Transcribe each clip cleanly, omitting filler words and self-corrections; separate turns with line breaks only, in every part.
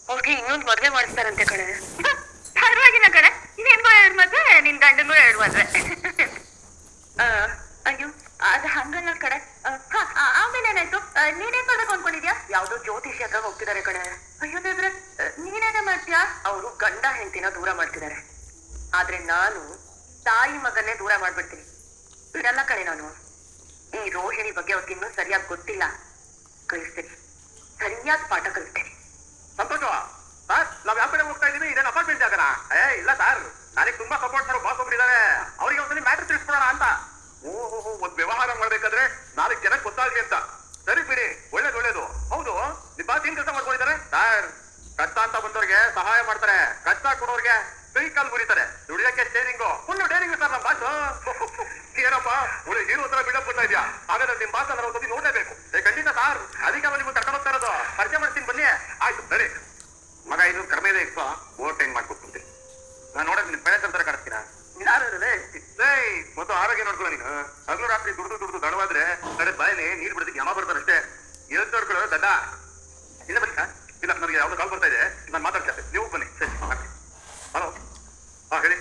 ಅವ್ರಿಗೆ ಇನ್ನೊಂದು ಮದ್ವೆ ಮಾಡಿಸ್ತಾರಂತೆ ಕಣೆ. ಪರವಾಗಿಲ್ಲ ಕಣೆ, ನಿನ್ಗೂ 2 ಮದ್ವೆ, ನಿನ್ ಗಂಡನ್ಗೂ 2 ಮದ್ವೆ. ಅಯ್ಯೋ ಅದು ಹಂಗಲ್ಲ ಕಣೆ. ಆಮೇಲೆ ಏನಾಯ್ತು? ನೀನೇನ್ ಮಾಡ್ಬೇಕು ಅನ್ಕೊಂಡಿದ್ಯಾ? ಯಾವ್ದೋ ಜ್ಯೋತಿಷಿ ಹತ್ರ ಹೋಗ್ತಿದ್ದಾರೆ ಕಣೆ. ಅಯ್ಯೋ ದೇವ್ರೆ, ನೀನೇನೇ ಮಾಡ್ತೀಯಾ? ಅವರು ಗಂಡ ಹೆಂಡತಿನ ದೂರ ಮಾಡ್ತಿದ್ದಾರೆ. ಆದ್ರೆ ನಾನು ತಾಯಿ ಮಗನ್ನೇ ದೂರ ಮಾಡ್ಬಿಡ್ತೀನಿ. ಬಿಡಲ್ಲ ಕಣೆ ನಾನು. ಈ ರೋಹಿಣಿ ಬಗ್ಗೆ ಅವ್ರಿಗೆ ಇನ್ನೂ ಸರಿಯಾಗಿ ಗೊತ್ತಿಲ್ಲ. ಕಲಿಸ್ತೀನಿ, ಸರಿಯಾದ ಪಾಠ ಕಲಿಸ್ತೀನಿ.
ಸಂತೋಷ ಸರ್, ನಾವ್ ಯಾವ ಕಡೆ ಹೋಗ್ತಾ ಇದೀವಿ? ಇದೇನು ಅಪಾರ್ಟ್ಮೆಂಟ್ ಜಾಗನ? ಇಲ್ಲ ಸರ್, ನನಗೆ ತುಂಬಾ ಸಪೋರ್ಟ್ ಮಾಡೋ ಬಾಸ್ ಒಬ್ರು ಇದಾರೆ. ಅವ್ರಿಗೆ ಒಂದ್ಸಲಿ ಮ್ಯಾಟ್ರ್ ತಿಳಿಸ್ಕೊಡೋಣ ಅಂತ. ಓಹೋ, ಒಂದ್ ವ್ಯವಹಾರ ಮಾಡ್ಬೇಕಾದ್ರೆ 4 ಜನಕ್ಕೆ ಗೊತ್ತಾಗ್ಲಿ ಅಂತ. ಸರಿ ಬಿಡಿ, ಒಳ್ಳೇದು. ಹೌದು, ನಿಮ್ ಬಾಸ್ ಏನ್ ಕೆಲಸ ಮಾಡ್ಕೊಂಡಿದ್ದಾರೆ? ಸರ್, ಕಷ್ಟ ಅಂತ ಬಂದವ್ರಿಗೆ ಸಹಾಯ ಮಾಡ್ತಾರೆ, ಕಷ್ಟ ಕೊಡೋರ್ಗೆ ಕೈ ಕಾಲು ಮುರಿತಾರೆ. ದುಡಿಯಕ್ಕೆ ಸ್ಟೇರಿಂಗು, ಫುಲ್ ಡೇರಿಂಗ್ ಸರ್ ನಮ್ ಬಾಸ್. ಏನಪ್ಪ ಒಳ್ಳೆ ಹೀರೋ ತರ ಬಿಡಪ್ ಬರ್ತಾ ಇದೆಯಾ? ಹಾಗಾದ್ರೆ ನಿಮ್ ಬಾಸ್ ಅಂದ್ರೆ ಒಂದ್ಸತಿ ನೋಡ್ಲೇಬೇಕು. ಖಂಡಿತ ಸರ್, ಅದಕ್ಕೆ ನಿಮ್ಗೆ ಕರ್ಕೊಂಡು ಹೋಗ್ತಾ ಇರೋದು. ಪರಿಚಯ ಮಾಡ್ತೀನಿ ಬನ್ನಿ. ಆಯ್ತು ಸರಿ. ಮಗ ಇದು ಕಡಿಮೆ ಇದೆ, ಓವರ್ ಟೈಮ್ ಮಾಡ್ಕೊಡ್ತೀನಿ. ನಾನು ನೋಡಕ್ ನಿಮ್ ಬೆಳೆ ತರ ಕಾಣಿಸ್ತೀರಾ? ಮತ್ತು ಆರೋಗ್ಯ ನೋಡ್ಕೊಳ್ಳೋ ನೀನು. ಹಗಲು ರಾತ್ರಿ ದುಡ್ದು ದಡವಾದ್ರೆ ಕಡೆ ಬಾಯಲ್ಲಿ ನೀರು ಬಿಡೋದಕ್ಕೆ ಯಮ ಬರ್ತಾರೆ ಅಷ್ಟೇ. ಎದ್ದು ನೋಡ್ಕೊಳ್ಳೋ ದಡ್ಡ. ಇಲ್ಲ ಬನ್ನಿ. ಇಲ್ಲ, ನನಗೆ ಯಾವ್ದು ಕಾಲ್ ಬರ್ತಾ ಇದೆ, ನಾನು ಮಾತಾಡ್ತೇನೆ. ನೀವು ಬನ್ನಿ. ಸರಿ, ಹಲೋ. ಹಾ ಹೇಳಿ.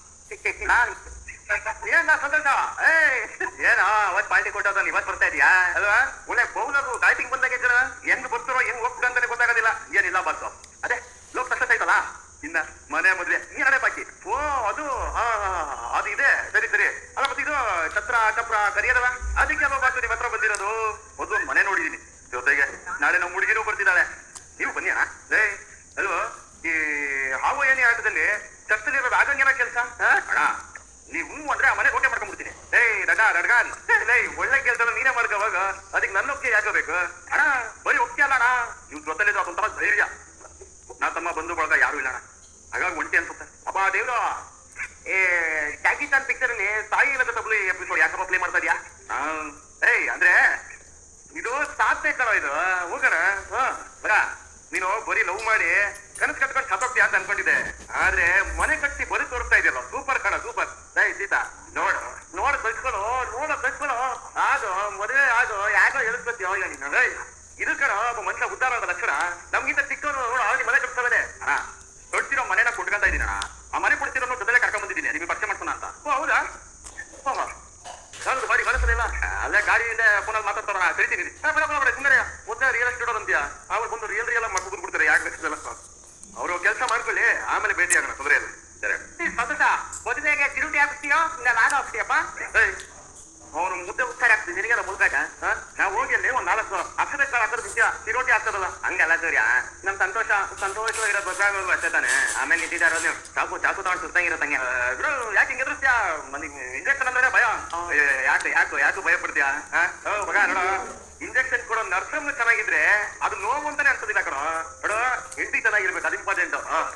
ಏನ ಸಂತೋಷ? ಏನ ಅವತ್ ಪಾರ್ಟಿ ಕೊಟ್ಟದ ಇವತ್ ಬರ್ತಾ ಇದೀಯಾ ಅಲ್ವಾ? ಒಳ್ಳೆ ಬೌಲರು ಬ್ಯಾಟಿಂಗ್ ಬಂದಾಗ ಹೆಂಗ್ ಬರ್ತಾರೋ ಹೆಂಗ್ ಹೋಗ್ತದೆ ಅಂತಾನೆ ಗೊತ್ತಾಗೋದಿಲ್ಲ. ಏನಿಲ್ಲ ಬಾಸು, ಅದೇ ಲೋಕ್ ಸಕ್ಸಸ್ ಆಯ್ತಲ್ಲ, ಇನ್ನ ಮನೆ ಮದ್ವೆ ನೀರೇ ಬಾಕಿ. ಓ ಅದು ಅದು ಇದೆ. ಸರಿ ಅಲ್ಲ, ಮತ್ತೆ ಇದು ಚಪ್ರ ಕರಿಯದವ, ಅದಕ್ಕೆ ಅಲ್ವಾ ಬಾಸು ನಿಮ್ ಹತ್ರ ಬಂದಿರೋದು. ಒಂದು ಮನೆ ನೋಡಿದೀನಿ, ಜೊತೆಗೆ ನಾಳೆ ನಮ್ಮ ಹುಡುಗಿನೂ ಬರ್ತಿದ್ದಾಳೆ. ನೀವು ಬನ್ನಿ ಅಣ್ಣ. ಅಲ್ವಾ, ಈ ಹಾವು ಏನಿ ಆಟದಲ್ಲಿ ಚರ್ಚಲಿರೋದು ಆಗಂಗೇನ ಕೆಲಸ ಅಣ್ಣ. ನೀವು ಅಂದ್ರೆ ಆ ಮನೆ ರೋಟೆ ಮಾಡ್ಕೊಂಡ್ಬಿಡ್ತೀನಿ. ರಡ್ಗಾನ್ ಒಳ್ಳೆ ಕೆಲಸ ನೀನೇ ಮಾಡ್ಕೋವಾಗ ಅದಕ್ಕೆ ನನ್ನ ಒಪ್ಪಿಗೆ ಯಾಕೋಬೇಕು ಅಣ್ಣ? ಬರೀ ಒಪ್ಪಿಗೆ ಅಲ್ಲ ಅಣ್ಣ, ನೀವು ಜೊತೆಲಿದ್ದು ಅದೊಂಥರ ಧೈರ್ಯ. ನಾ ತಮ್ಮ ಬಂಧು ಬಳಗ ಯಾರು ಇಲ್ಲ ಅಣ್ಣ, ಹಾಗಾಗಿ ಒಂಟಿ ಅನ್ಸುತ್ತೆ. ಅಪ್ಪ ದೇವ್ರು, ಟ್ಯಾಗಿ ಚಾನ್ ಪಿಕ್ಚರ್ ಅಲ್ಲಿ ತಾಯಿ ಇಲ್ಲದ ತಬ್ಲಿ ಎಪಿಸೋಡ್ ಯಾಕಪ್ಪ ಪ್ಲೇ ಮಾಡ್ತಾ ಇದೀಯಾ? ಅಂದ್ರೆ ಇದು ಸಾಧ್ಯ ಕಣ ಇದು. ಹೋಗೋಣ ಬರ. ನೀನು ಬರೀ ಲವ್ ಮಾಡಿ ಕನಸು ಕಟ್ಕೊಂಡು ಸತ್ತೋಗ್ತೀಯ ಅಂತ ಅನ್ಕೊಂಡಿದ್ದೆ, ಆದ್ರೆ ಮನೆ ಕಟ್ಟಿ ಬರೀ ತೋರಿಸ್ತಾ ಇದೆಯಲ್ಲ. ಸೂಪರ್ ಕಣ, ಸೂಪರ್. ಸೀತಾ ನೋಡ ಕಳ್ಸ್ಕೊಳು, ಆಗೋ ಮದುವೆ ಆಗೋ, ಯಾಕೋ ಎಳಿಸ್ಕೊತೀಯೋ ನೀನು. ಇದು ಕಣ ಒಬ್ಬ ಮನುಷ್ಯ ಉದ್ದಾರ ಆದ ಲಕ್ಷಣ. ನಮ್ಗಿಂತ ಚಿಕ್ಕವನು ನೋಡು, ಅವ್ರಿಗೆ ಮನೆ ಕಟ್ಸ್ತದೆ ಅಣ್ಣ. ಕೊಡ್ತಿರೋ ಮನೆನ ಕೊಟ್ಕೊಂತ ಇದೀನಿ ಅಣ್ಣ. ಆ ಮನೆ ಕೊಡ್ತಿರೋ ಜೊತೆಲೆ ಕರ್ಕೊಂಡ್ ಬಂದಿದ್ದೀನಿ ನಿಮಗೆ ಪರಿಚಯ ಮಾಡ್ಸೋಣ ಅಂತ. ಓ ಹೌದಾ? ನಾನು ಬಾಡಿ ಕಳಿಸಲಿಲ್ಲ, ಅಲ್ಲೇ ಗಾಡಿಯಿಂದ ಫೋನಲ್ಲಿ ಮಾತಾಡ್ತಾರ. ಕರಿತೀನಿ ಸುಂದರ ಮೊದಲೇ ರಿಯಲ್ ಎಸ್ಟೇಟ್ ಅಂತೀಯ, ಅವ್ರು ಬಂದು ರಿಯಲ್ ಮಾಡ್ಕೊಂಡು ಬಿಡ್ತಾರೆ. ಯಾಕೆ ಬೇಕಾಗಲ್ಲ, ಅವರು ಕೆಲಸ ಮಾಡ್ಕೊಳ್ಳಿ, ಆಮೇಲೆ ಭೇಟಿ ಆಗೋಣ, ತೊಂದರೆ ಇಲ್ಲ. ಸಂತೋಷ, ಮದುವೆಗೆ ಚಿರುಟಿ ಹಾಕ್ತೀಯೋ ಇಲ್ಲ ನಾನು ಹಾಕ್ತೀಯಪ್ಪ? ಅವನು ಮುದ್ದೆ ಉತ್ಸಾರ ಆಗ್ತದೆ, ನಿನಗೆಲ್ಲ ಮುಲ್ಕಾಟ. ನಾವು ಹೋಗಿ ಅಲ್ಲಿ ಒಂದ್ 4 ಅಕ್ಷರ ಹಾಕೋದು ವಿಷಯ, ಚಿರೋಟಿ ಹಾಕ್ತದಲ್ಲ ಹಂಗೆಲ್ಲ ಸರಿಯಾ? ನಮ್ ಸಂತೋಷವಾಗಿರೋದು ಗೊತ್ತಾಗೋದು ಅಷ್ಟೇ ತಾನೆ. ಆಮೇಲೆ ನಿಂತಿದ್ದಾರ ನೀವು ಚಾಕು ತಗೊಂಡು ಸುತ್ತಂಗಿರತ್ತಂಗೆ. ಯಾಕೆ ಹಿಂಗೆ ಎದುರಿಸ್ತೀಯಾ? ಇಂಜೆಕ್ಷನ್ ಅಂದ್ರೆ ಭಯ. ಯಾಕೆ ಭಯ ಪಡ್ತೀಯಾ? ಮಗ ನೋಡ, ಇಂಜೆಕ್ಷನ್ ಕೊಡೋ ನರ್ಸನ್ನು ಚೆನ್ನಾಗಿದ್ರೆ ಅದು ನೋವು ಅಂತಾನೆ ಅನ್ಸೋದಿಲ್ಲ ಕಣೋ. ನೋಡು, ಹೆಂಡತಿ ಚೆನ್ನಾಗಿರ್ಬೇಕು, ಅದು ಇಂಪಾರ್ಟೆಂಟ್.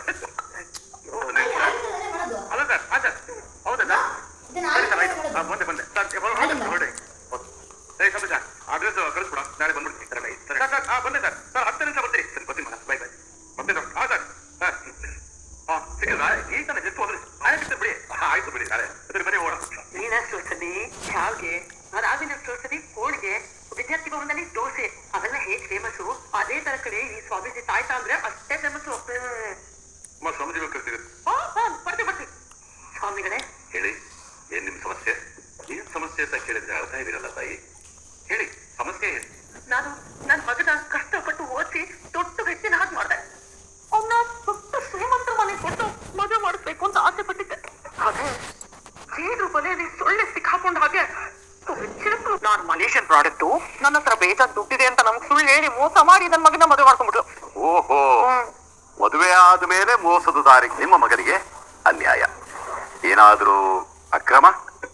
ಅಲ್ಲ ಸರ್, ಹೌದಾ ಸರ್? ಸರಿ ಸರ್, ಆಯ್ತು. ಬಂದೆ ಹೊರಡಿ. ಸಂತೋಷ, ಅಡ್ರೆಸ್ ಕಳಿಸ್ಬಿಡ, ನಾಳೆ ಬಂದ್ಬಿಡ್ತೀನಿ. ಸರ್ ಬಂದೆ ಸರ್. 10 ನಿಮಿಷ ಬರ್ತೀರಿ. ಸರಿ ಬರ್ತೀನಿ ಮೇಡಮ್, ಬೈ. ಬರ್ತೀನಿ ಸರ್. ಸರ್ ಸಿಕ್ಕಿಲ್ಲ ಈ ತಾನೆ ಜಸ್ಟ್ ಹೋದ್ರಿ. ಆಯ್ತು ಬಿಡಿ, ಆಯ್ತು ಬಿಡಿ. ನಾಳೆ ಸರಿ ಬರೀ ಓಡ.
ನೀನಷ್ಟು ಸತಿ ಶಾವ್ಗೆ, ಅದಾಗಿನಷ್ಟು ಸತಿ ಹೋಳಿಗೆ, ವಿದ್ಯಾರ್ಥಿ ಭವನದಲ್ಲಿ ದೋಸೆ, ಅವೆಲ್ಲ ಹೇಗ್ ಫೇಮಸ್ಸು, ಅದೇ ತರ ಕಡೆ ಈ ಸ್ವಾಮೀಜಿ ತಾಯ್ತ ಅಂದ್ರೆ ಅಷ್ಟೇ ಫೇಮಸ್ಸು.
ಸ್ವಾಮೀಜಿ ಕಳ್ಸಿದ್ರು.
ಬರ್ತೀವಿ. ಸ್ವಾಮಿಗಳೇ
ಹೇಳಿ, ಏನ್ ನಿಮ್ ಸಮಸ್ಯೆ? ಏನ್ ಸಮಸ್ಯೆ ಅಂತ ಕೇಳಿದ್ರೆ ಅರ್ಥ ಇದಿರಲ್ಲ ತಾಯಿ. ಹೇಳಿ, ಸಮಸ್ಯೆ ಏನು?
ನಾನು ನನ್ನ ಮಗನ ಕಷ್ಟಪಟ್ಟು ಓದಿಸಿ ದೊಡ್ಡ ವ್ಯಕ್ತಿನ ಹಾಗೆ ಮಾಡಿದೆ. ಅವನ್ನ ದೊಡ್ಡ ಶ್ರೀಮಂತರ ಮನೆ ಕೊಟ್ಟು ಮದುವೆ ಮಾಡಿಸ್ಬೇಕು ಅಂತ ಆಸೆ ಪಟ್ಟಿದ್ದೆ. ಅದೇ ಜೇನು ಬಲೆಯಲ್ಲಿ ಸೊಳ್ಳೆ ಸಿಕ್ಕಾಕೊಂಡ ಹಾಗೆ ನಾನು ಮಲೇಷಿಯನ್ ಪ್ರಾಡಕ್ಟು, ನನ್ನ ಹತ್ರ ಬೇಜಾನ್ ದುಡ್ಡಿದೆ ಅಂತ ನಮ್ಗೆ ಸುಳ್ಳು ಹೇಳಿ ಮೋಸ ಮಾಡಿ ನನ್ನ ಮಗನ ಮದುವೆ ಮಾಡ್ಕೊಂಡ್ಬಿಟ್ರು.
ಓಹೋ, ಮದುವೆ ಆದ್ಮೇಲೆ ಮೋಸದ ದಾರಿಗೆ ನಿಮ್ಮ ಮಗನಿಗೆ ಅನ್ಯಾಯ. ಏನಾದ್ರೂ ಅಕ್ರಮ?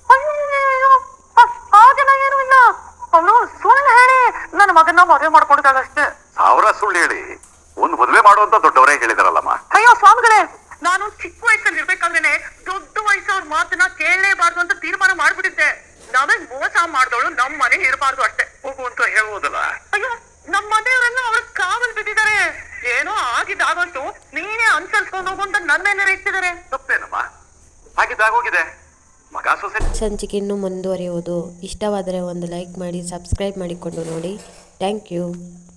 ಹಾಗೆಲ್ಲ ಏನೂ ಇಲ್ಲ. ಅವನು ಸುಳ್ಳು ಹೇಳಿ ನನ್ನ ಮಗನ ಮದುವೆ ಮಾಡ್ಕೊಂಡಿದ್ದಾಗಷ್ಟೇ.
1000 ಸುಳ್ಳು ಹೇಳಿ ಒಂದು ಮದುವೆ ಮಾಡುವಂತ ದೊಡ್ಡವರೇ ಹೇಳಿದಾರಲ್ಲಮ್ಮ.
ಅಯ್ಯೋ ಸ್ವಾಮಿಗಳೇ, ನಾನು ಚಿಕ್ಕ ವಯಸ್ಸಲ್ಲಿ ಇರ್ಬೇಕಾದ್ರೆ ದೊಡ್ಡ ವಯಸ್ಸವ್ರ ಮಾತನ್ನ ಕೇಳಲೇಬಾರ್ದು ಅಂತ ತೀರ್ಮಾನ ಮಾಡ್ಬಿಟ್ಟಿದ್ದೆ. ನಮಗ್ ಮೋಸ ಮಾಡ್ದವಳು ನಮ್ಮ ಮನೆ ಇರಬಾರ್ದು ಅಷ್ಟೇ.
ಹೋಗು ಅಂತ ಹೇಳ್ಬೋದಲ್ಲ.
ಅಯ್ಯೋ, ನಮ್ಮ ಮನೆಯವರೆಲ್ಲ ಅವ್ರ ಕಾವಲ್ ಬಿದ್ದಿದ್ದಾರೆ. ಏನೋ ಆಗಿದ್ದಾಗಂತೂ ನೀನೇ ಅನ್ಸಲ್ಸ್ಕೊಂಡು ಹೋಗು ಅಂತ ನನ್ನೇನಾರ ಇಟ್ಟಿದ್ದಾರೆ.
ತಪ್ಪೇನಮ್ಮ, ಆಗಿದ್ದಾಗೋಗಿದೆ. ಮಗ ಸೊಸೆ.
ಸಂಚಿಕೆ ಇನ್ನೂ ಮುಂದುವರಿಯುವುದು. ಇಷ್ಟವಾದರೆ ಒಂದು ಲೈಕ್ ಮಾಡಿ, ಸಬ್ಸ್ಕ್ರೈಬ್ ಮಾಡಿಕೊಂಡು ನೋಡಿ. Thank you.